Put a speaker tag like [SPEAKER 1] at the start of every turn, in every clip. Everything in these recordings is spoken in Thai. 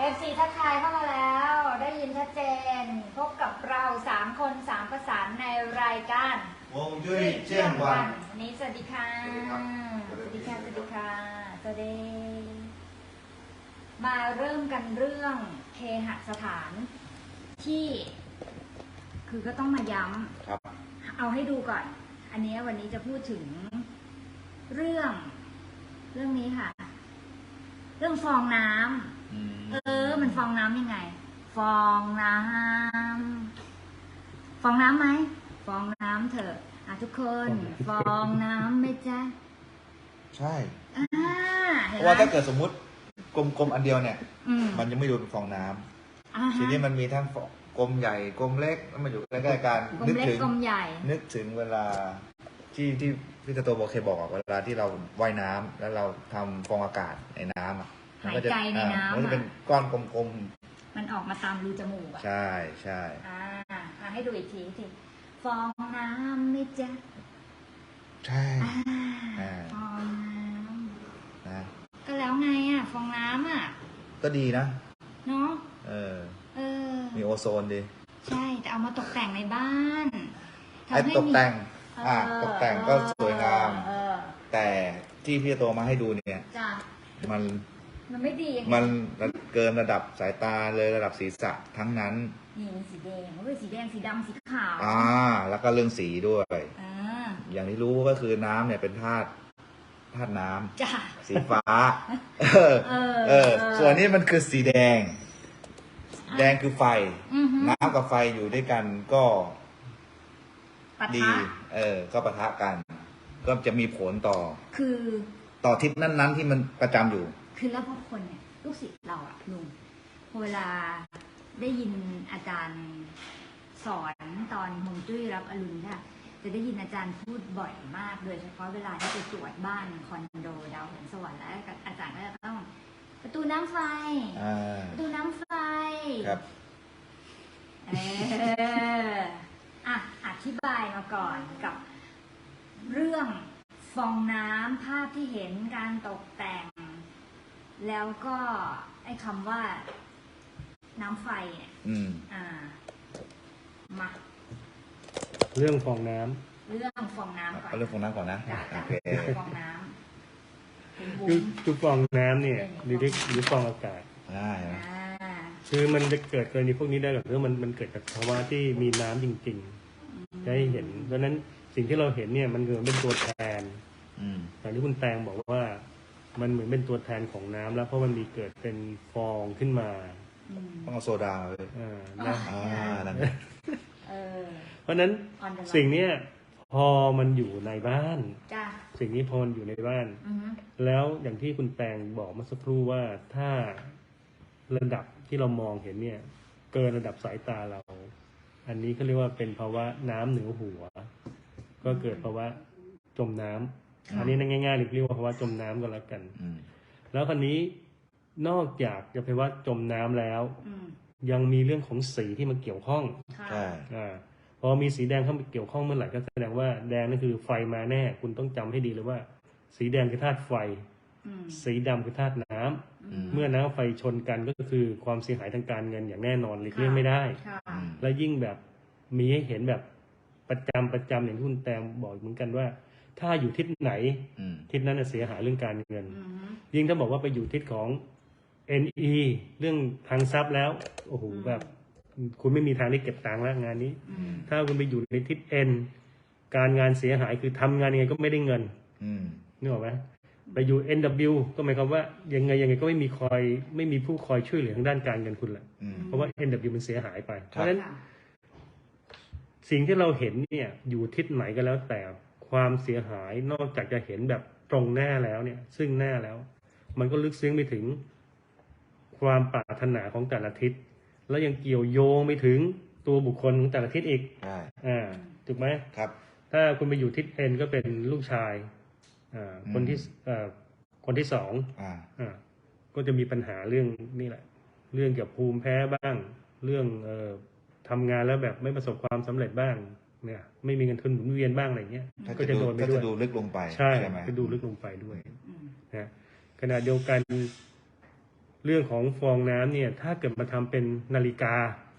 [SPEAKER 1] FC ทักทายเข้ามาแล้วได้ยินชัดเจนพบกับเรา3 คน3ประสานในรายการ
[SPEAKER 2] วงจุ้ยเจียงวัน
[SPEAKER 1] วันนี้สวัสดีค่ะสวัสดีค่ะสวัสดีค่ะสวัสดีมาเริ่มกันเรื่องเคหสถานที่คือก็ต้องมาย้ำ
[SPEAKER 2] ครับ
[SPEAKER 1] เอาให้ดูก่อนอันนี้วันนี้จะพูดถึงเรื่องนี้ค่ะเรื่องฟองน้ำมันฟองน้ำยังไงฟองน้ำไหมฟองน้ำเถอะทุกคนฟองน้ำไหมจ๊ะ
[SPEAKER 2] ใช่เพราะว่าถ้าเกิดสมมุติกลมๆอันเดียวเนี่ยมันจะไม่ดูเป็นฟองน้ำทีนี้มันมีทั้งกลมใหญ่กลมเล็กแล้วมันอยู่ใกล้ๆกัน
[SPEAKER 1] นึกถึงนึ
[SPEAKER 2] กถึงเวลาที่พี่ตาโตเคยบอกเวลาที่เราว่ายน้ำแล้วเราทำฟองอากาศในน้ำ
[SPEAKER 1] หายใจในน้ำ
[SPEAKER 2] มันจะเป็นก้อนกลม
[SPEAKER 1] ๆมันออกมาตามรูจมูก
[SPEAKER 2] ใช่
[SPEAKER 1] ให้ดูอีกทีฟองน้ำไม่จ๊ะ
[SPEAKER 2] ใช่
[SPEAKER 1] ฟองน้ำก็แล้วไงฟองน้ำ
[SPEAKER 2] ก็ดีนะ
[SPEAKER 1] เนาะ
[SPEAKER 2] มีโอโซนดี
[SPEAKER 1] ใช่แต่เอามาตกแต่งในบ้าน
[SPEAKER 2] ตกแต่งตกแต่งก็สวยงามแต่ที่พี่โตมาให้ดูเนี่ย
[SPEAKER 1] มันไม่ดี
[SPEAKER 2] มันเกินระดับสายตาเลยระดับศีรษะทั้งนั้น
[SPEAKER 1] นี่สีแดงสีแดงสีดำสีขาว
[SPEAKER 2] แล้วก็เรื่องสีด้วยอย่างที่รู้ก็คือน้ำเนี่ยเป็นธาตุน้ำสีฟ้าส่วนนี้มันคือสีแดงคือไฟน้ำกับไฟอยู่ด้วยกันก็ดีก็ปะทะกันก็จะมีผลต่อทิศนั้นๆที่มันประจำอยู่
[SPEAKER 1] คือแล้วพอคนเนี่ยลูกศิษย์เราลุงเวลาได้ยินอาจารย์สอนตอนฮวงจุ้ยรับอรุณค่ะจะได้ยินอาจารย์พูดบ่อยมากโดยเฉพาะเวลาที่ไปตรวจบ้านคอนโดดาวหงสวรรค์แล้วอาจารย์ก็จะต้องประตูน้ำไฟ
[SPEAKER 2] ครับ
[SPEAKER 1] อธิบายมาก่อนกับเรื่องฟองน้ำภาพที่เห็นการตกแต่งแล้วก็ไอ้คำว่าน้ำไฟเนี่ยมา
[SPEAKER 3] เรื่องฟองน้ำ
[SPEAKER 1] ก่อน
[SPEAKER 2] เรื่องฟองน้ำก่อนนะ
[SPEAKER 1] โอเคฟองน้ำ
[SPEAKER 3] คือฟองน้ำเนี่ยหรือฟองอากาศคือมันจะเกิดกรณีพวกนี้ได้หรอกเพราะมันเกิดจากภาวะที่มีน้ำจริงๆได้เห็นเพราะนั้นสิ่งที่เราเห็นเนี่ยมันเหมือนเป็นตัวแทนอย่างที่คุณแตงบอกว่ามันเหมือนเป็นตัวแทนของน้ำแล้วเพราะมันมีเกิดเป็นฟองขึ้นมา
[SPEAKER 2] ต้องเอาโซดาเลย
[SPEAKER 3] เพราะนั้นสิ่งนี้พอมันอยู่ในบ้านสิ่งนี้พอมันอยู่ในบ้านแล้วอย่างที่คุณแตงบอกเมื่อสักครู่ว่าถ้าระดับที่เรามองเห็นเนี่ยเกินระดับสายตาเราอันนี้เขาเรียกว่าเป็นภาวะน้ำเหนือหัวก็เกิดภาวะจมน้ำอันนี้ง่ายๆเรียกว่าภาวะจมน้ำก็แล้วกันแล้วคราวนี้นอกจากจะภาวะจมน้ำแล้วยังมีเรื่องของสีที่มันเกี่ยวข้องพอมีสีแดงเข้ามาเกี่ยวข้องเมื่อไหร่ก็แสดงว่าแดงนั่นคือไฟมาแน่คุณต้องจำให้ดีเลยว่าสีแดงคือธาตุไฟสีดำคือธาตุน้ำเมื่อน้ำไฟชนกันก็คือความเสียหายทางการเงินอย่างแน่นอนหลีกเลี่ยงไม่ได้และยิ่งแบบมีให้เห็นแบบประจำอย่างที่คุณแตงบอกเหมือนกันว่าถ้าอยู่ทิศไหนทิศนั้นจะเสียหายเรื่องการเงินยิ่งถ้าบอกว่าไปอยู่ทิศของ NE เรื่องทางทรัพย์แล้วโอ้โหแบบคุณไม่มีทางได้เก็บตังค์แล้วงานนี้ถ้าคุณไปอยู่ในทิศ N การงานเสียหายคือทำงานยังไงก็ไม่ได้เงินนึกออกไหมไปอยู่ NW ก็หมายความว่ายังไงก็ไม่มีผู้คอยช่วยเหลือทางด้านการเงินคุณแหละเพราะว่า NW มันเสียหายไปเพราะฉะนั้นสิ่งที่เราเห็นเนี่ยอยู่ทิศไหนก็แล้วแต่ความเสียหายนอกจากจะเห็นแบบตรงหน้าแล้วเนี่ยซึ่งหน้าแล้วมันก็ลึกซึ้งไปถึงความปรารถนาของแต่ละทิศแล้วยังเกี่ยวโยงไปถึงตัวบุคคลของแต่ละทิศอีกถูกไหม
[SPEAKER 2] ครับ
[SPEAKER 3] ถ้าคุณไปอยู่ทิศ N ก็เป็นลูกชายคนที่สองก็จะมีปัญหาเรื่องนี่แหละเรื่องเกี่ยวกับภูมิแพ้บ้างเรื่องทำงานแล้วแบบไม่ประสบความสำเร็จบ้างเนี่ยไม่มีเงินทุนหมุนเวียนบ้างอะไรเงี้ยก็จะโดนไปด้วย
[SPEAKER 2] ดูลึกลงไป
[SPEAKER 3] ใช่จะดูลึกลงไปด้วยนะขณะเดียวกันเรื่องของฟองน้ำเนี่ยถ้าเกิดมาทำเป็นนาฬิกา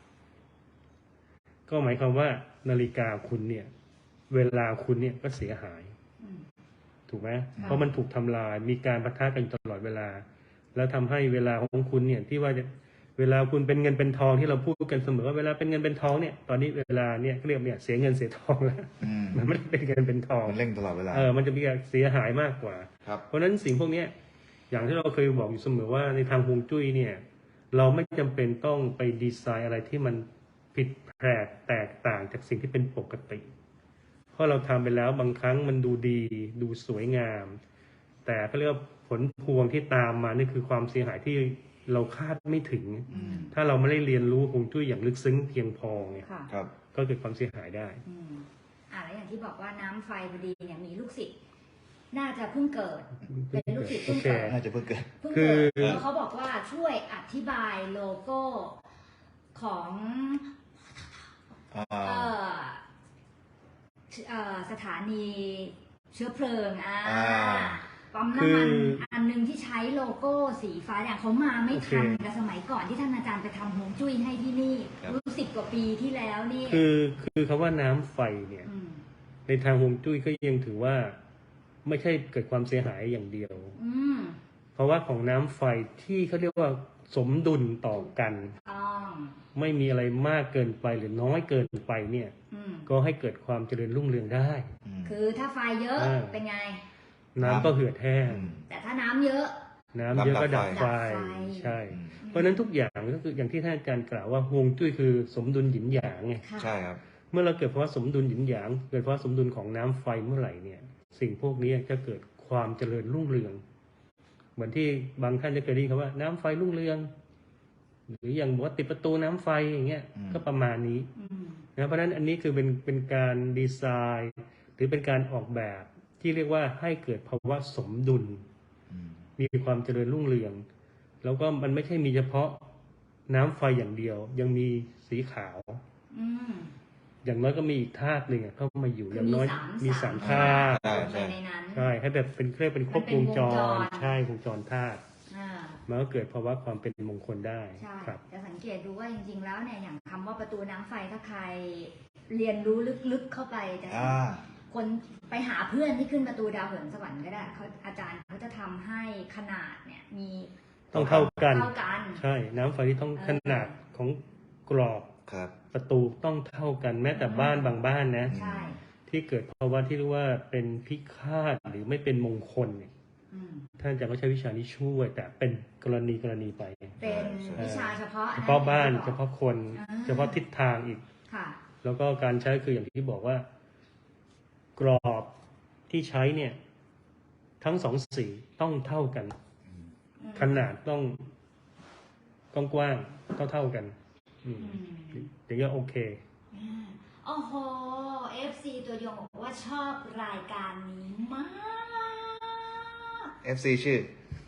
[SPEAKER 3] ก็หมายความว่านาฬิกาคุณเนี่ยเวลาคุณเนี่ยก็เสียหายถูกไหมเพราะมันถูกทำลายมีการปะทะกันตลอดเวลาแล้วทำให้เวลาของคุณเนี่ยที่ว่าเวลาคุณเป็นเงินเป็นทองที่เราพูดกันเสมอว่าเวลาเป็นเงินเป็นทองเนี่ยตอนนี้เวลาเนี่ยเรียกเนี่ยเสียเงินเสียทองแล้วมันไม่ได้เป็นเงินเป็นทอง
[SPEAKER 2] มันเร่งตลอดเวลา
[SPEAKER 3] มันจะมีการเสียหายมากกว่าเพราะฉะนั้นสิ่งพวกนี้อย่างที่เราเคยบอกอยู่เสมอว่าในทางฮวงจุ้ยเนี่ยเราไม่จำเป็นต้องไปดีไซน์อะไรที่มันผิดแปลกแตกต่างจากสิ่งที่เป็นปกติเพราะเราทำไปแล้วบางครั้งมันดูดีดูสวยงามแต่ก็เรียกว่าผลพวงที่ตามมานี่คือความเสียหายที่เราคาดไม่ถึงถ้าเราไม่ได้เรียนรู้ฮวงจุ้ยอย่างลึกซึ้งเพียงพอเนี่ยก็เกิดความเสียหายได้
[SPEAKER 1] แล้วอย่างที่บอกว่าน้ำไฟพอดีเนี่ยมีลูกศิษย์น่าจะเพิ่งเกิดเป็นลูกศิษย์เพิ่งเกิด
[SPEAKER 2] น่าจะเพิ่งเกิด
[SPEAKER 1] แล้วเขาบอกว่าช่วยอธิบายโลโก้ของสถานีเชื้อเพลิงปั๊มน้ำมันอันนึงที่ใช้โลโก้สีฟ้าอย่างเขามาไม่ทันกับสมัยก่อนที่ท่านอาจารย์ไปทำฮวงจุ้ยให้ที่นี่รู้10 กว่าปีที่แล้วนี่
[SPEAKER 3] คือคำว่าน้ำไฟเนี่ยในทางฮวงจุ้ยก็ยังถือว่าไม่ใช่เกิดความเสียหายอย่างเดียวเพราะว่าของน้ำไฟที่เขาเรียกว่าสมดุลต่อกันไม่มีอะไรมากเกินไปหรือน้อยเกินไปเนี่ยก็ให้เกิดความเจริญรุ่งเรืองได้
[SPEAKER 1] คือถ้าไฟเยอะเป็นไง
[SPEAKER 3] น้ำก็เหือดแห้ง
[SPEAKER 1] แต่ถ้าน้ำเยอะ
[SPEAKER 3] ก็ดับไฟใช่เพราะฉะนั้นทุกอย่างก็คืออย่างที่ท่านอาจารย์กล่าวว่าฮวงจุ้ยคือสมดุลหยินหยางไง
[SPEAKER 2] ใช่ครับ
[SPEAKER 3] เมื่อเราเกิดภาวะสมดุลหยินหยางเกิดภาวะสมดุลของน้ำไฟเมื่อไหร่เนี่ยสิ่งพวกนี้จะเกิดความเจริญรุ่งเรืองเหมือนที่บางท่านจะเคยได้ยินคำว่าน้ำไฟรุ่งเรืองหรืออย่างบอกว่าติดประตูน้ำไฟอย่างเงี้ยก็ประมาณนี้นะเพราะฉะนั้นอันนี้คือเป็นการดีไซน์หรือเป็นการออกแบบที่เรียกว่าให้เกิดภาวะสมดุลมีความเจริญรุ่งเรืองแล้วก็มันไม่ใช่มีเฉพาะน้ำไฟอย่างเดียวยังมีสีขาวอย่างน้อยก็มีอีกธาตุหนึ่งเข้ามาอยู่อย่างน้อยมี3 ธาตุใช่ให้แบบเป็นเครื่องเป็นครบวงจรใช่วงจรธาตุมันก็เกิดภาวะความเป็นมงคลได้
[SPEAKER 1] ครับจะสังเกตดูว่าจริงๆแล้วเนี่ยอย่างคำว่าประตูน้ำไฟถ้าใครเรียนรู้ลึกๆเข้าไปจะคนไปหาเพื่อนที่ขึ้นประตูดาวเหินสวรรค์ก็ได้เขาอาจารย์เขาจะทำให้ขนาดเนี่ยมี
[SPEAKER 3] ต้องเท่ากันใช่น้ำไฟที่ต้องขนาดของกรอบประตูต้องเท่ากันแม้แต่บ้านบางบ้านนะที่เกิดภาวะที่เรียกว่าเป็นพิฆาตหรือไม่เป็นมงคลเนี่ยท่านอาจารย์ก็ใช้วิชานี้ช่วยแต่เป็นกรณีไป
[SPEAKER 1] เป็นวิชาเฉพาะ
[SPEAKER 3] บ้านเฉพาะคนเฉพาะทิศทางอีกแล้วก็การใช้คืออย่างที่บอกว่ากรอบที่ใช้เนี่ยทั้ง2 สีต้องเท่ากันขนาดต้องกว้างเท่ากันถึงจะโอเค
[SPEAKER 1] โอ้โห FC ตัวยงบอกว่าชอบรายการนี้มาก
[SPEAKER 2] FC ชื่อ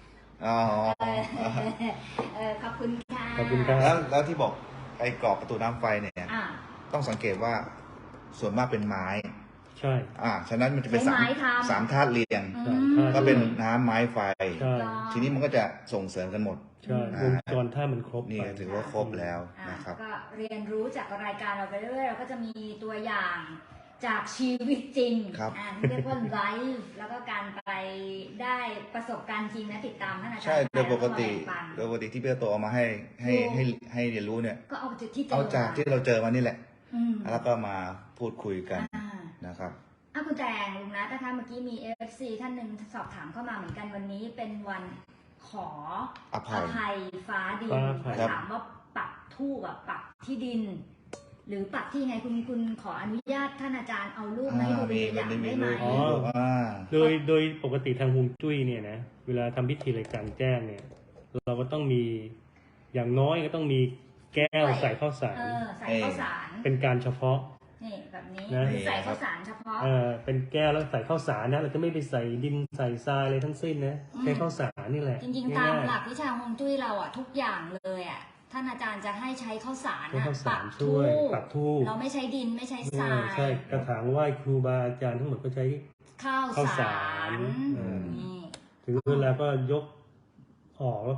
[SPEAKER 1] ขอบคุณค่ะ
[SPEAKER 3] ขอบคุณครับ
[SPEAKER 2] แล้วที่บอกไอ้กรอบประตูน้ำไฟเนี่ยต้องสังเกตว่าส่วนมากเป็นไม้
[SPEAKER 3] ใช่
[SPEAKER 2] ฉะนั้นมันจะเป็น3 ธาตุเรียงก็เป็นน้ำไม้ไฟทีนี้มันก็จะส่งเสริมกันหมด
[SPEAKER 3] ใช่วงจรธาตุมันครบ
[SPEAKER 2] นี่ถือว่าครบแล้วนะครับ
[SPEAKER 1] ก็เรียนรู้จากรายการเราไปเรื่อยๆเราก็จะมีตัวอย่างจากชีวิตจริงเรียกว่าไลฟ์แล้วก็การไปได้ประสบการณ์จริงนะติดตามท่านอาจารย์
[SPEAKER 2] ใช่โดยปกติที่พี่โตเอามาให้เรียนรู้เนี่ย
[SPEAKER 1] ก็เอา
[SPEAKER 2] จากที่เราเจอมานี่แหละแล้วก็มาพูดคุยกันนะครับ
[SPEAKER 1] คุณแตงลุงนะนะคะเมื่อกี้มี FC ท่านหนึ่งสอบถามเข้ามาเหมือนกันวันนี้เป็นวันขออภัยฟ้าดินถามว่าปักธูปปักที่ดินหรือปักที่ไงคุณขออนุญาตท่านอาจารย์เอารูปมาให้ดูเป็นตัวอย่างได้ไหม
[SPEAKER 3] โดยปกติทางฮวงจุ้ยเนี่ยนะเวลาทำพิธีอะไรกลางแจ้งเนี่ยเราก็ต้องมีอย่างน้อยก็ต้องมีแก้วใส่ข้าวสาร
[SPEAKER 1] ใส่ข้าวสาร
[SPEAKER 3] เป็นการเฉพาะ
[SPEAKER 1] นี่แบบนี้ใส่ข้าวสารเฉพาะ
[SPEAKER 3] เป็นแก้วแล้วใส่ข้าวสารนะเราจะไม่ไปใส่ดินใส่ทรายอะไรทั้งสิ้นนะใช้ข้าวสารนี่แหละ
[SPEAKER 1] จริงๆตามหลักวิชาฮวงจุ้ยเราทุกอย่างเลยท่านอาจารย์จะให้ใช้ข้าวสาร
[SPEAKER 3] ปักธูป
[SPEAKER 1] เราไม่ใช้ดินไม่ใช้ทราย
[SPEAKER 3] ใช่กระถางไหว้ครูบาอาจารย์ทั้งหมดก็ใช้
[SPEAKER 1] ข้าวสาร
[SPEAKER 3] ถึงเวลาก็ยกออกแล้วก็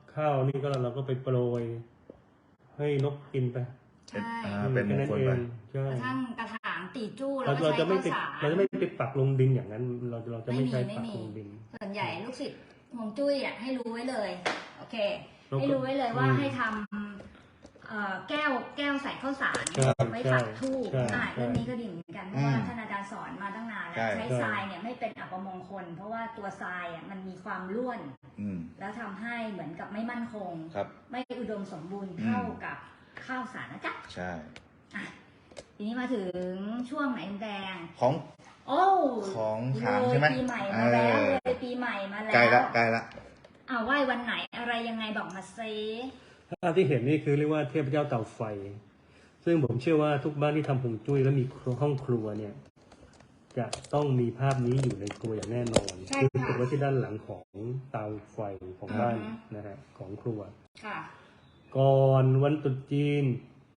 [SPEAKER 3] ข้าวนี่ก็เราก็ไปโปรยให้นกกินไป
[SPEAKER 1] ใช่
[SPEAKER 2] เป็นมงคลไป
[SPEAKER 3] ใช่
[SPEAKER 1] กระทั่งกระถางตีจู้
[SPEAKER 3] เรา
[SPEAKER 1] เราก็
[SPEAKER 3] จะ
[SPEAKER 1] ใช้
[SPEAKER 3] ไม่
[SPEAKER 1] ข้าว
[SPEAKER 3] ไป
[SPEAKER 1] สาร
[SPEAKER 3] เราจะไม่ไปปักลงดินอย่างนั้น เราจะไม่ใช้ปักลงดิน
[SPEAKER 1] ส่วนใหญ่ลูกศิษย์ฮวงจุ้ยอ่ะให้รู้ไว้เลย โอเค
[SPEAKER 3] แล้วก็
[SPEAKER 1] ให้รู้ไว้เลยว่าให้ทำแก้วใส่ข้าวสาร
[SPEAKER 3] ครับ
[SPEAKER 1] ไว้ปักธูป
[SPEAKER 3] ใช่
[SPEAKER 1] เรื่องนี้ก็ดีเหมือนกันเพราะว่าท่านอาจารย์สอนมาตั้งนานแล้ว
[SPEAKER 2] ใช่
[SPEAKER 1] ใช้ทรายเนี่ยไม่เป็นอัปมงคล เพราะว่าตัวทรายอ่ะมันมีความร่วน
[SPEAKER 2] อืม
[SPEAKER 1] แล้วทำให้เหมือนกับไม่มั่นคง
[SPEAKER 2] ครับ
[SPEAKER 1] ไม่อุดมสมบูรณ์เท่ากับข้าวสารนะจ๊ะ
[SPEAKER 2] ใช่
[SPEAKER 1] อ่ะทีนี้มาถึงช่วงไหนแดง
[SPEAKER 2] ของ
[SPEAKER 1] โอ้
[SPEAKER 2] ของขลังใช่ไหม
[SPEAKER 1] เลยปีใหม่มาแล้ว
[SPEAKER 2] เออ
[SPEAKER 1] เลยปีใหม่มาแล้ว
[SPEAKER 2] ใกล้ละใกล้ละ
[SPEAKER 1] ไหว้วันไหนอะไรยังไงบอกมาซิ
[SPEAKER 3] ภาพที่เห็นนี่คือเรียกว่าเทพเจ้าเตาไฟ ซึ่งผมเชื่อว่าทุกบ้านที่ทำฮวงจุ้ยแล้วมีห้องครัวเนี่ย จะต้องมีภาพนี้อยู่ในครัวอย่างแน่นอน
[SPEAKER 1] ใช่
[SPEAKER 3] คือ
[SPEAKER 1] ค่ะ
[SPEAKER 3] ติดไว้ที่ด้านหลังของเตาไฟของบ้านนะฮะของครัว
[SPEAKER 1] ค่ะ
[SPEAKER 3] ก่อนวันตรุษจีน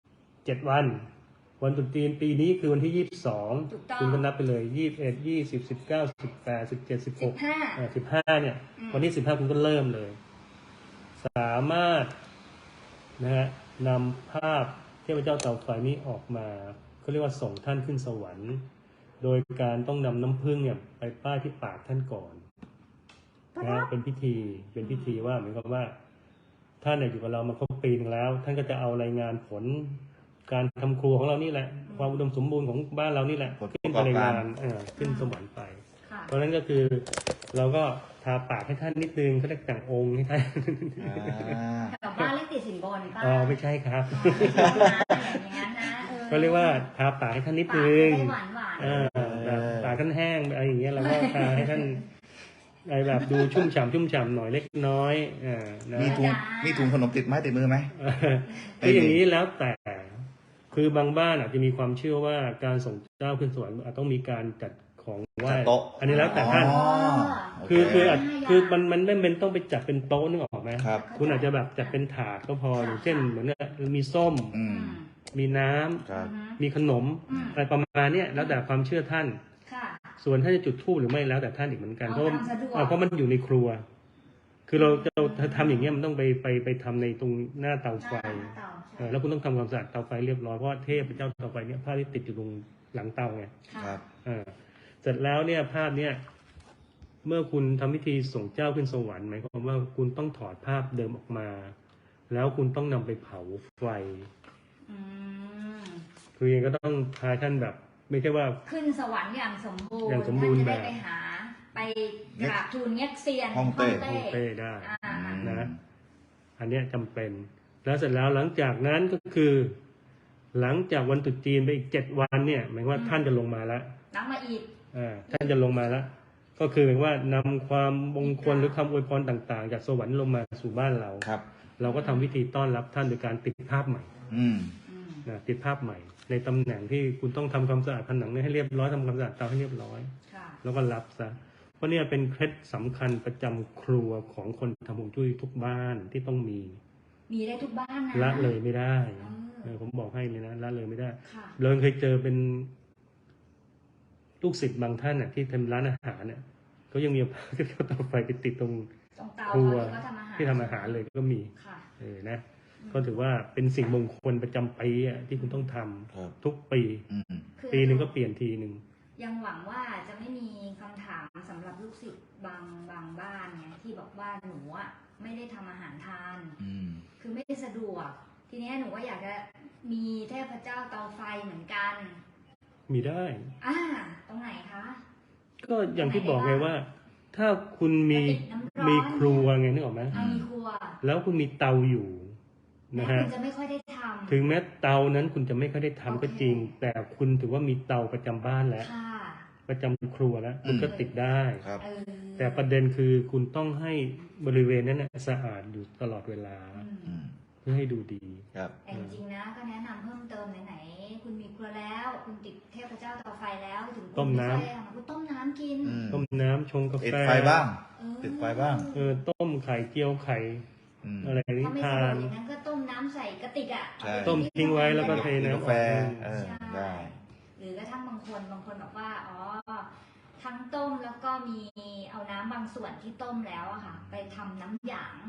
[SPEAKER 3] 7 วัน วันตรุษจีนปีนี้คือวันที่ 22
[SPEAKER 1] ถูกต้อง
[SPEAKER 3] คุณก็นับไปเลย 21 20 19 18 17 16
[SPEAKER 1] 15
[SPEAKER 3] 15เนี่ย วันที่ 15 คุณก็เริ่มเลย สามารถนะฮะนำภาพเทพเจ้าเตาไฟนี้ออกมาเขาเรียกว่าส่งท่านขึ้นสวรรค์ โดยการต้องนำน้ำผึ้งเนี่ยไปป้ายที่ปากท่านก่อนนะฮะเป็นพิธีว่าเหมือนกับว่าท่านเนี่ยอยู่กับเรามาครบปีนึงแล้ว ท่านก็จะเอารายงานผลการทำครัวของเรานี่แหละ ความอุดมสมบูรณ์ของบ้านเรานี่แหละ
[SPEAKER 2] ผลประ
[SPEAKER 3] ขึ้น
[SPEAKER 2] ก
[SPEAKER 3] ไป
[SPEAKER 2] อบ
[SPEAKER 3] ใน
[SPEAKER 2] การ
[SPEAKER 3] งานขึ้นสวรรค์ไป
[SPEAKER 1] ค่ะ
[SPEAKER 3] เพราะฉะนั้นก็คือเราก็ทาปากให้ท่านนิดนึงเขาเรียกแต่งองค์ให้ท่าน
[SPEAKER 2] อ่า
[SPEAKER 1] กับบ้านเลขติดสินบนป้า
[SPEAKER 3] อ๋อไม่ใช่ครับ
[SPEAKER 1] อย่างนั้นนะ
[SPEAKER 3] ก็เรียกว่าทาปากให้ท่านนิดนึง
[SPEAKER 1] หวานหวาน
[SPEAKER 3] แบบปากท่านแห้งอะไรอย่างเงี้ยเราก็ทาให้ท่านอะไรแบบดูชุ่มฉ่ำหน่อยเล็กน้อยนะ
[SPEAKER 2] มีถุงขนมติดไม้ติดมือไหม
[SPEAKER 3] คืออย่างนี้แล้วแต่ คือบางบ้านอาจจะมีความเชื่อว่าการส่งเจ้าขึ้นสวรรค์อาจต้องมีการจัดของไหว้
[SPEAKER 2] จัดโต๊ะ
[SPEAKER 3] อันนี้แล้วแต่ท่าน
[SPEAKER 2] อ๋อโอเค
[SPEAKER 3] คือมันไม่เป็นต้องไปจัดเป็นโต๊ะนึกออกไหม
[SPEAKER 2] ครับ
[SPEAKER 3] คุณอาจจะแบบจัดเป็นถาดก็พออย่างเช่นเหมือนกับมีส้ม
[SPEAKER 2] อืม
[SPEAKER 3] มีน้ำ
[SPEAKER 2] ครับ
[SPEAKER 3] มีขนมอะไรประมาณเนี้ยแล้วแต่ความเชื่อท่าน
[SPEAKER 1] ค่ะ
[SPEAKER 3] ส่วนท่านจะจุดธูปหรือไม่แล้วแต่ท่านอีกเหมือนกัน
[SPEAKER 1] เอา
[SPEAKER 3] เพราะว่า
[SPEAKER 1] ทำสะดวก
[SPEAKER 3] เพราะมันอยู่ในครัว คือเราทำอย่างเงี้ยมันต้องไปทำในตรงหน้าเตาไฟ
[SPEAKER 1] เตาใช่
[SPEAKER 3] แล้วคุณต้องทำความสะอาดเตาไฟเรียบร้อยเพราะว่าเทพเจ้าเตาไฟเนี่ยผ้าที่ติดอยู่ตรงหลังเตาไง
[SPEAKER 1] ค่ะ
[SPEAKER 2] ครับ
[SPEAKER 3] เสร็จแล้วเนี่ยภาพเนี่ยเมื่อคุณทำพิธีส่งเจ้าขึ้นสวรรค์หมายความว่าคุณต้องถอดภาพเดิมออกมา แล้วคุณต้องนำไปเผาไฟ
[SPEAKER 1] อืม
[SPEAKER 3] คือยังก็ต้องพาท่านแบบ ไม่ใช่ว่า
[SPEAKER 1] ขึ้นสวรรค์อย่างสมบูรณ์
[SPEAKER 3] อย่างสมบูรณ์
[SPEAKER 1] ท่านจะได้
[SPEAKER 3] แบบ
[SPEAKER 1] ไปหา ไปกราบทูลเง็กเซียน
[SPEAKER 2] ฮ่องเต้
[SPEAKER 3] ฮ่องเต้ได้
[SPEAKER 1] อ่า
[SPEAKER 3] นะ อันเนี้ยจำเป็น แล้วเสร็จแล้วหลังจากนั้นก็คือ หลังจากวันตรุษจีนไปอีก7 วันเนี่ยหมายความว่าท่านจะลงมาแล้ว
[SPEAKER 1] นับมาอีก
[SPEAKER 3] ท่านจะลงมาแล้ว ก็คือหมายความว่านำความมงคลหรือคำอวยพรต่างๆ จากสวรรค์ลงมาสู่บ้านเรา
[SPEAKER 2] ครับ
[SPEAKER 3] เราก็ทำพิธีต้อนรับท่านโดยการติดภาพใหม่
[SPEAKER 2] อืม
[SPEAKER 3] นะติดภาพใหม่ ในตำแหน่งที่คุณต้องทำความสะอาดผนังให้เรียบร้อยทำความสะอาดเตาให้เรียบร้อย
[SPEAKER 1] ค่ะ
[SPEAKER 3] แล้วก็รับซะ เพราะเนี่ยเป็นเคล็ดสำคัญประจำครัวของคนทำฮวงจุ้ยทุกบ้านที่ต้องมี
[SPEAKER 1] มีได้ทุกบ้านนะ
[SPEAKER 3] ละเลยไม่ได้
[SPEAKER 1] เออ
[SPEAKER 3] ผมบอกให้เลยนะละเลยไม่ได้
[SPEAKER 1] ค่ะ
[SPEAKER 3] เราเคยเจอเป็นลูกศิษย์บางท่านน่ะที่ทำร้านอาหารเนี่ยเขายังมีเอาเตาไฟไปติดตรง
[SPEAKER 1] ตรงเตา
[SPEAKER 3] ครัว
[SPEAKER 1] เขาทำอาหาร
[SPEAKER 3] ที่ทำอาหารเลยก็มี
[SPEAKER 1] ค่ะ
[SPEAKER 3] นะ ก็ถือว่าเป็นสิ่งมงคลประจำปีอ่ะที่คุณต้องทำ
[SPEAKER 2] ครับ
[SPEAKER 3] ทุกปี
[SPEAKER 2] อืม
[SPEAKER 1] คือ
[SPEAKER 3] ปีหนึ่งก็เปลี่ยนทีหนึ่ง
[SPEAKER 1] ยังหวังว่าจะไม่มีคำถามสำหรับลูกศิษย์บางบ้านไงที่บอกว่าหนูอ่ะไม่ได้ทำอาหารทาน
[SPEAKER 2] อืม
[SPEAKER 1] คือไม่ได้สะดวก ทีเนี้ยหนูก็อยากจะมีเทพเจ้าเตาไฟเหมือนกัน
[SPEAKER 3] มีได้
[SPEAKER 1] ตรงไหนคะ
[SPEAKER 3] ก็อย่างที่บอกไงว่า ถ้าคุณมี
[SPEAKER 1] กระติกน้ำร้อน
[SPEAKER 3] มีครัวไงนึกออกไหม
[SPEAKER 1] มีครัว
[SPEAKER 3] แล้วคุณมีเตาอยู่นะ
[SPEAKER 1] แม่
[SPEAKER 3] ฮะ
[SPEAKER 1] คุณจะไม่ค่อยได้ทำ
[SPEAKER 3] ถึงแม้เตานั้นคุณจะไม่ค่อยได้ทำ
[SPEAKER 1] โอเค
[SPEAKER 3] ก็จริง แต่คุณถือว่ามีเตาประจำบ้านแล้ว
[SPEAKER 1] ค่ะ
[SPEAKER 3] ประจำครัวแล้ว คุณก็ติดได้
[SPEAKER 2] ครับ
[SPEAKER 1] เออ
[SPEAKER 3] แต่ประเด็นคือคุณต้องให้บริเวณนั้นนะสะอาดอยู่ตลอดเวลา
[SPEAKER 1] อืม
[SPEAKER 3] เพื่อให้ดูดี
[SPEAKER 2] ครับ
[SPEAKER 1] แต่จริงๆนะก็แนะนำเพิ่มเติมไหนๆคุณมีครัวแล้ว คุณติดเทพเจ้าเตาไฟแล้วถึงคุณ
[SPEAKER 3] ต้มน้ำ
[SPEAKER 1] ไค่อยได้ทำคุณต้มน้ำกิน
[SPEAKER 2] อืม
[SPEAKER 3] ต้มน้ำชงกา
[SPEAKER 2] ติด
[SPEAKER 3] แฟ
[SPEAKER 2] ไฟบ้าง
[SPEAKER 1] เออ
[SPEAKER 2] ติดไฟบ้าง
[SPEAKER 3] ต้มไข่เจียวไข่
[SPEAKER 2] อืม
[SPEAKER 3] อะไรนี้
[SPEAKER 1] ถ้าไม่
[SPEAKER 3] ทา
[SPEAKER 1] สะดวก
[SPEAKER 3] น
[SPEAKER 1] อย่างนั้นก็ต้มน้ำใส่กระติกอ่ะ
[SPEAKER 2] ใช่
[SPEAKER 3] ต้มทิ้งไว้แล้วก็เท
[SPEAKER 2] กิน
[SPEAKER 3] น้ำ
[SPEAKER 2] กาแฟ
[SPEAKER 3] ออก
[SPEAKER 2] เออ ได้
[SPEAKER 1] หรือกระทั่งบางคนบอกว่าอ๋อทั้งต้มแล้วก็มีเอาน้ำบางส่วนที่ต้มแล้วอะค่ะ ไปทำน้ำหยาง
[SPEAKER 2] อ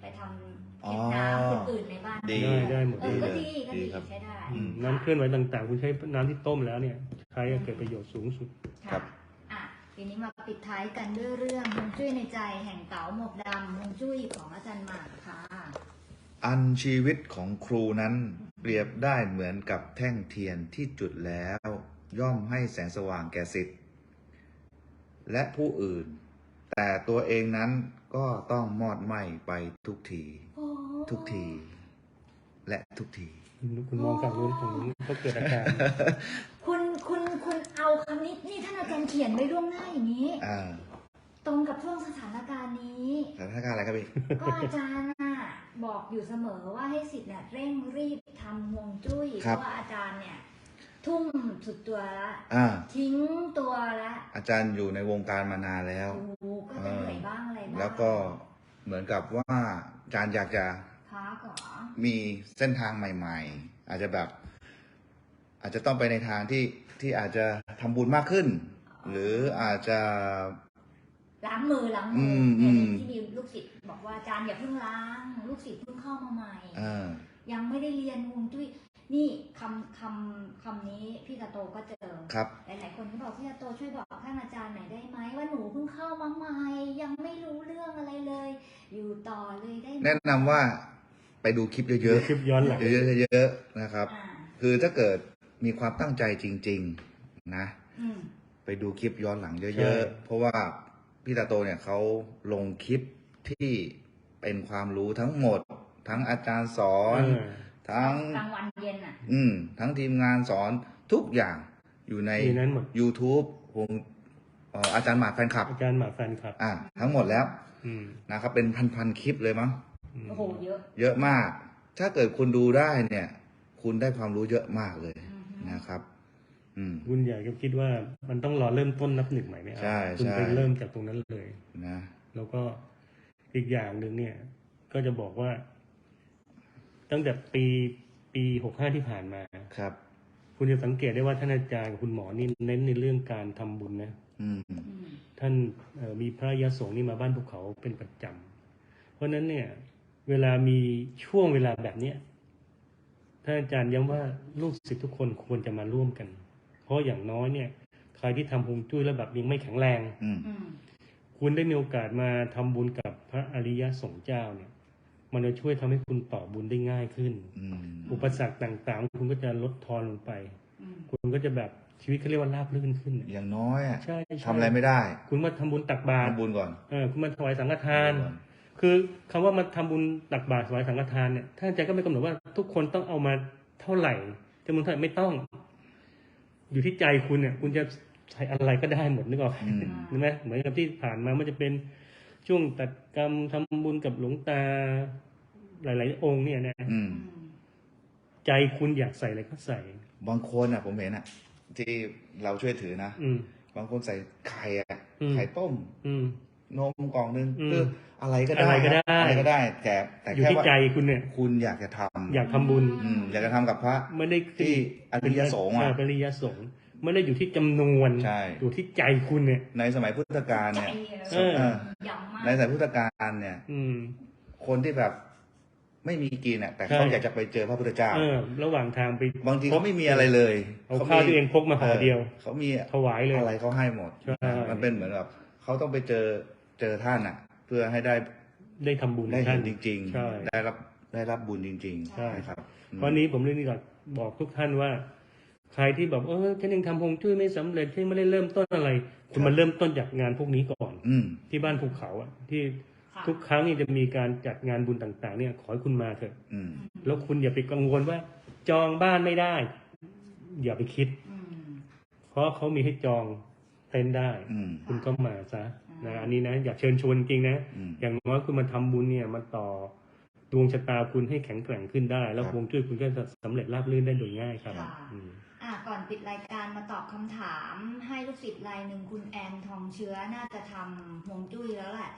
[SPEAKER 1] ไปทำเก็บน้ำคนอื่นในบ้าน
[SPEAKER 3] ได้หมด
[SPEAKER 1] ก็ดีใช้ได้
[SPEAKER 3] น้ำเคลื่อนไหวต่างๆคุณใช้น้ำที่ต้มแล้วเนี่ยใช้เกิดประโยชน์สูงสุด
[SPEAKER 1] ครับทีนี้มาปิดท้ายกันด้วยเรื่องฮวงจุ้ยในใจแห่งเต๋าหมวกดำฮวงจุ้ยของอาจารย์หมากค่ะ
[SPEAKER 2] อันชีวิตของครูนั้นเปรียบได้เหมือนกับแท่งเทียนที่จุดแล้วย่อมให้แสงสว่างแก่ศิษย์และผู้อื่น แต่ตัวเองนั้นก็ต้องมอดไหม้ไปทุกทีทุกทีและทุกที
[SPEAKER 3] คุณมองฝั่งนู้นฝั่งนู้นก็เกิดอาการ
[SPEAKER 1] คุณเอาคำนี้นี่ท่านอาจารย์เขียนไว้ล่วงหน้าอย่างนี้ตรงกับช่วงสถานการณ์นี้
[SPEAKER 2] สถานการณ์อะไรครับพี่
[SPEAKER 1] ก็อาจารย์บอกอยู่เสมอว่าให้ศิษย์เนี่ยเร่งรีบทำฮวงจุ้ยเพราะว่าอาจารย์เนี่ยทุ่มสุดตัวละทิ้งตัวละ
[SPEAKER 2] อาจารย์อยู่ในวงการมานานแล้ว
[SPEAKER 1] ก็จะเหนื่อยบ้างอะไรบ้าง
[SPEAKER 2] แล้วก็เหมือนกับว่าอาจารย์อยากจะมีเส้นทางใหม่ๆอาจจะแบบอาจจะต้องไปในทางที่อาจจะทำบุญมากขึ้นหรืออาจจะ
[SPEAKER 1] ล้างมืออย่างที่มีลูกศิษย์บอกว่าอาจารย์อย่าเพิ่งล้างลูกศิษย์เพิ่งเข้ามาใหม่ยังไม่ได้เรียนฮวงจุ้ยนี่คำนี้พี่ตาโตก็เจอหลายๆคนก็บอกพี่ตาโตช่วยบอกท่านอาจารย์หน่อยได้ไหมว่าหนูเพิ่งเข้ามาใหม่ยังไม่รู้เรื่องอะไรเลยอยู่ต่อเลยได้ไหม
[SPEAKER 2] แนะนำว่าไปดูคลิปเยอะๆ
[SPEAKER 3] คลิปย้อนหลัง
[SPEAKER 2] เยอะๆนะครับคือถ้าเกิดมีความตั้งใจจริงๆนะไปดูคลิปย้อนหลังเยอะๆเพราะว่าพี่ตาโตเนี่ยเขาลงคลิปที่เป็นความรู้ทั้งหมดทั้งอาจารย์สอนทั้ง
[SPEAKER 1] กลางวันเย็น
[SPEAKER 2] ทั้งทีมงานสอนทุกอย่างอยู่ใน YouTube ของอาจารย์หมากแฟนคลับ
[SPEAKER 3] อาจารย์หมากแฟนคลับ
[SPEAKER 2] ทั้งหมดแล้วนะครับเป็นพันคลิปเลยมั้ง
[SPEAKER 1] โอ้โห
[SPEAKER 2] เยอะมากถ้าเกิดคุณดูได้เนี่ยคุณได้ความรู้เยอะมากเลยนะครับ
[SPEAKER 3] คุณใหญ่ก็คิดว่ามันต้องรอเริ่มต้นนับหนึ่งใหม่ไหม
[SPEAKER 2] ใช่
[SPEAKER 3] คุณไปเริ่มจากตรงนั้นเลย
[SPEAKER 2] นะ
[SPEAKER 3] แล้วก็อีกอย่างหนึ่งเนี่ยก็จะบอกว่าตั้งแต่ปี65ที่ผ่านมา
[SPEAKER 2] ครับ
[SPEAKER 3] คุณจะสังเกตได้ว่าท่านอาจารย์กับคุณหมอนี่เน้นในเรื่องการทำบุญนะท่านมีพระยาสงฆ์นี่มาบ้านภูเขาเป็นประจำเพราะนั้นเนี่ยเวลามีช่วงเวลาแบบเนี้ยท่านอาจารย์ย้ำว่าลูกศิษย์ทุกคนควรจะมาร่วมกันเพราะอย่างน้อยเนี่ยใครที่ทำฮวงจุ้ยแล้วแบบยังไม่แข็งแรงคุณได้มีโอกาสมาทำบุญกับพระอริยสงฆ์เจ้าเนี่ยมันจะช่วยทำให้คุณต่อบุญได้ง่ายขึ้นอุปสรรคต่างๆคุณก็จะลดทอนลงไปคุณก็จะแบบชีวิตเขาเรียกว่าราบรื่นขึ้น
[SPEAKER 2] อย่างน้อย
[SPEAKER 3] ใช่
[SPEAKER 2] ทำอะไรไม่ได้
[SPEAKER 3] คุณมาทำบุญตักบาตร
[SPEAKER 2] ทำบุญก่อน
[SPEAKER 3] คุณมาถวายสังฆทานคือคำว่ามาทำบุญตักบาตรถวายสังฆทานเนี่ยท่านอาจารย์ก็ไม่กำหนดว่าทุกคนต้องเอามาเท่าไหร่จำนวนเท่าไหร่ไม่ต้องอยู่ที่ใจคุณเนี่ยคุณจะใช้อะไรก็ได้หมดนึกออกใช่ไหมเหมือนกับที่ผ่านมามันจะเป็นช่วงตัดกรรมทำบุญกับหลวงตาหลายๆองค์เนี่ยนะใจคุณอยากใส่อะไรก็ใส่
[SPEAKER 2] บางคนอ่ะผมเห็นอ่ะที่เราช่วยถือนะบางคนใส่ไข่ไข่ต้มนมกล่องนึงคืออะไรก็ได้อะไรก็ได้แต่
[SPEAKER 3] อยู่ที่ใจคุณเนี่ย
[SPEAKER 2] คุณอยากจะทำ
[SPEAKER 3] อยากทำบุญ
[SPEAKER 2] อยากจะทำกับพระ
[SPEAKER 3] ไม่ได้
[SPEAKER 2] ที่อริยสงฆ์
[SPEAKER 3] อริยสงฆ์ไม่ได้อยู่ที่จำนวนอยู่ที่ใจคุณเนี่ย
[SPEAKER 2] ในสมัยพุทธกาลเนี่ยในสมัยพุทธกาลเนี่ยคนที่แบบไม่มีกินอ่ะแต่เขาอยากจะไปเจอพระพุทธเจ้า
[SPEAKER 3] ระหว่างทางไป
[SPEAKER 2] บางทีเขาไม่มีอะไรเลย
[SPEAKER 3] เอาข้าวตัวเองพกมาห่อเดียว
[SPEAKER 2] เขามี
[SPEAKER 3] ถวายเลย
[SPEAKER 2] อะไรเขาให้หมดมันเป็นเหมือนแบบเขาต้องไปเจอท่านอ่ะเพื่อให้
[SPEAKER 3] ได้ทำบุญ
[SPEAKER 2] ได้เห็นจริง
[SPEAKER 3] ๆ
[SPEAKER 2] ได้รับบุญจริงๆ
[SPEAKER 3] ใช่ครับวันนี้ผมเรื่องนี้ก็บอกทุกท่านว่าใครที่แบบฉันยังทำฮวงจุ้ยไม่สำเร็จฉันไม่ได้เริ่มต้นอะไรคุณมาเริ่มต้นจากงานพวกนี้ก่อนที่บ้านภูเขาอ่ะที่ทุกครั้งนี่จะมีการจัดงานบุญต่างๆเนี่ยขอให้คุณมาเถอะแล้วคุณอย่าไปกังวลว่าจองบ้านไม่ได้อย่าไปคิดเพราะเขามีให้จองเต็นท์ได้คุณก็มาซะนะอันนี้นะอยากเชิญชวนจริงนะอย่างน้อยคุณมาทำบุญเนี่ยมาต่อดวงชะตาคุณให้แข็งแกร่งขึ้นได้แล้วฮวงจุ้ยคุณก็จะสำเร็จราบรื่นได้โดยง่ายครับ
[SPEAKER 1] ก่อนปิดรายการมาตอบคำถามให้ลูกศิษย์รายหนึ่งคุณแอนทองเชื้อน่าจะทำฮวงจุ้ยแล้วแหละ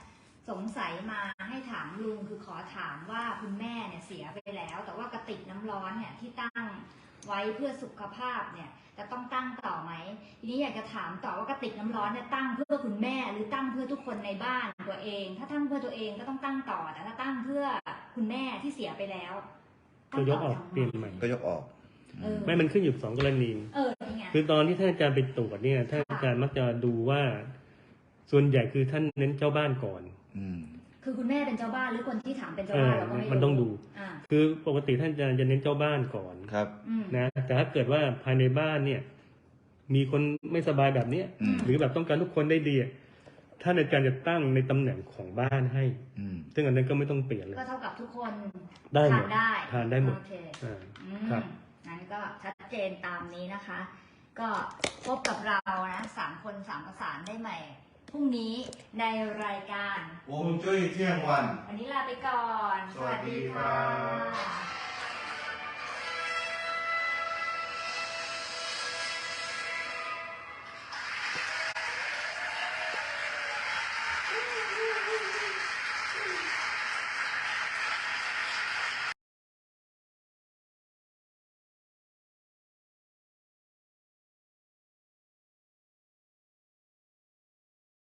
[SPEAKER 1] สงสัยมาให้ถามลุงคือขอถามว่าคุณแม่เนี่ยเสียไปแล้ว แต่ว่ากระติกน้ำร้อนเนี่ยที่ตั้งไว้เพื่อสุขภาพเนี่ยจะต้องตั้งต่อไหมทีนี้อยากจะถามต่อว่ากระติกน้ำร้อนเนี่ยตั้งเพื่อคุณแม่หรือตั้งเพื่อทุกคนในบ้านตัวเอง ถ้าตั้งเพื่อตัวเองก็ต้องตั้งต่อแต่ถ้าตั้งเพื่อคุณแม่ที่เสียไปแล้ว
[SPEAKER 3] ก็ยกออกเปลี่ยนใหม่
[SPEAKER 2] ก็ยกออก
[SPEAKER 3] ไม่มันขึ้นอยู่สองกรณี
[SPEAKER 1] นี่ไง
[SPEAKER 3] คือตอนที่ท่านอาจารย์ไปตรวจเนี่ยท่านอาจารย์มักจะดูว่า ส่วนใหญ่คือท่านเน้นเจ้าบ้านก่อน
[SPEAKER 1] คือคุณแม่เป็นเจ้าบ้านหรือคนที่ถามเป็นเจ้าบ้านเราก็ไม่รู้
[SPEAKER 3] มันต้องดู คือปกติท่านอาจารย์จะเน้นเจ้าบ้านก่อน
[SPEAKER 2] ครับ
[SPEAKER 3] นะแต่ถ้าเกิดว่าภายในบ้านเนี่ย มีคนไม่สบายแบบเนี้ยหรือแบบต้องการทุกคนได้ดีท่านอาจารย์จะตั้งในตำแหน่งของบ้านให้ซึ่งอันนั้นก็ไม่ต้องเปลี่ยนเลย
[SPEAKER 1] ก็เท่ากับทุกคน
[SPEAKER 3] ได้หม
[SPEAKER 1] ทา
[SPEAKER 3] ด
[SPEAKER 1] นได้
[SPEAKER 3] ทานได้หมด
[SPEAKER 1] โอเค
[SPEAKER 3] ครับ
[SPEAKER 1] งั้นก็ชัดเจนตามนี้นะคะ ก็พบกับเรานะ3 คน3 ประสานได้ใหม่พรุ่งนี้ในรายการ
[SPEAKER 2] วงจุ้ยเที่ยงวัน
[SPEAKER 1] วันนี้ลาไปก่อน
[SPEAKER 2] สวัสดีครับ